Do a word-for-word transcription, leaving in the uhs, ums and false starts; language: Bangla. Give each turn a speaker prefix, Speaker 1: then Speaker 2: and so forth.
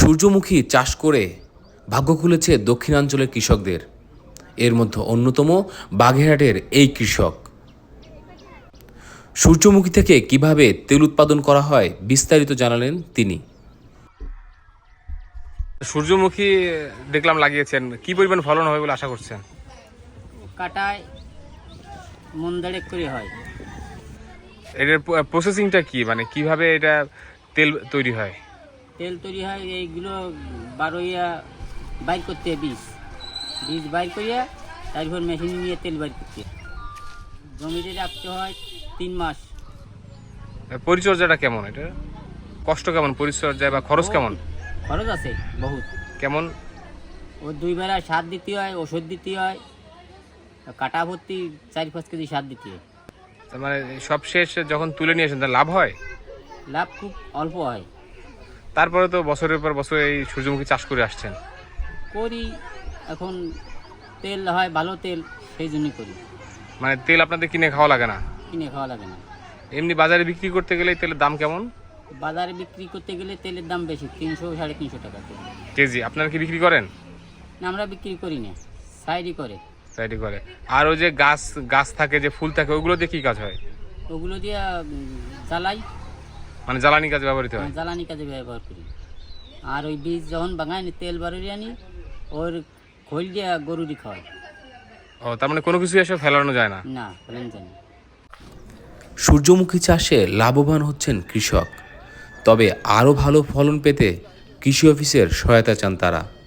Speaker 1: সূর্যমুখী চাষ করে ভাগ্য খুলেছে দক্ষিণাঞ্চলের কৃষকদের। এর মধ্যে অন্যতম বাগেরহাটের এই কৃষক। সূর্যমুখী থেকে কিভাবে তেল উৎপাদন করা হয় বিস্তারিত জানালেন তিনি।
Speaker 2: সূর্যমুখী দেখলাম লাগিয়েছেন, কি পরিমাণ ফলন হবে বলে আশা করছেন?
Speaker 3: কাটায় মন দেড়েক করে হয়।
Speaker 2: এটার প্রসেসিংটা কি, মানে কিভাবে এটা তেল তৈরি হয়?
Speaker 3: তেল তৈরি হয় এইগুলো বারোইয়া বাইর করতে হয়, বীজ বীজ বাইর করিয়া তারপর মেশিন নিয়ে তেল বাইর করতে হয়। জমিতে রাখতে হয় তিন মাস।
Speaker 2: পরিচর্যাটা কেমন, এটা কষ্ট কেমন, পরিচর্যা বা খরচ কেমন?
Speaker 3: খরচ আছে বহুত।
Speaker 2: কেমন?
Speaker 3: ও দুই বেলা সার দিতে হয়, ওষুধ দিতে হয়, কাটা ভর্তি চার পাঁচ কেজি সার দিতে হয়।
Speaker 2: তার মানে সব শেষ যখন তুলে নিয়ে আসেন তার লাভ হয়?
Speaker 3: লাভ খুব অল্প হয়।
Speaker 2: তারপরে তো বছরের পর বছর এই সূর্যমুখী চাষ করে আসছেন।
Speaker 3: করি, এখন তেল হয় ভালো তেল, সেই জন্যই করি।
Speaker 2: মানে তেল আপনাদের কিনে খাওয়া লাগে না?
Speaker 3: কিনে খাওয়া লাগে না।
Speaker 2: এমনি বাজারে বিক্রি করতে গেলে তেলের দাম কেমন?
Speaker 3: বাজারে বিক্রি করতে গেলে তেলের দাম বেশি, তিনশো সাড়ে তিনশো টাকা কেজি।
Speaker 2: কেজি আপনারা কি বিক্রি করেন?
Speaker 3: না, আমরা বিক্রি করি না, সাইডই করে।
Speaker 2: সাইডে করে। আর ওই যে গাছ গাছ থাকে, যে ফুল থাকে, ওগুলো দিয়ে কি কাজ হয়?
Speaker 3: ওগুলো দিয়ে উম, জ্বালাই,
Speaker 2: মানে জ্বালানি কাজে ব্যবহৃত হয়?
Speaker 3: জ্বালানি কাজে ব্যবহার করি। আর ওই বীজ যখন বাঙাই তেল বাড়িয়ে আনি, ওর খোল দিয়ে গরুরই খাওয়াই।
Speaker 2: ও, তার মানে কোনো কিছু এসে ফেলানো যায় না?
Speaker 3: না, ফেলেন জানি।
Speaker 1: সূর্যমুখী চাষে লাভবান হচ্ছেন কৃষক, তবে আরও ভালো ফলন পেতে কৃষি অফিসের সহায়তা চান তারা।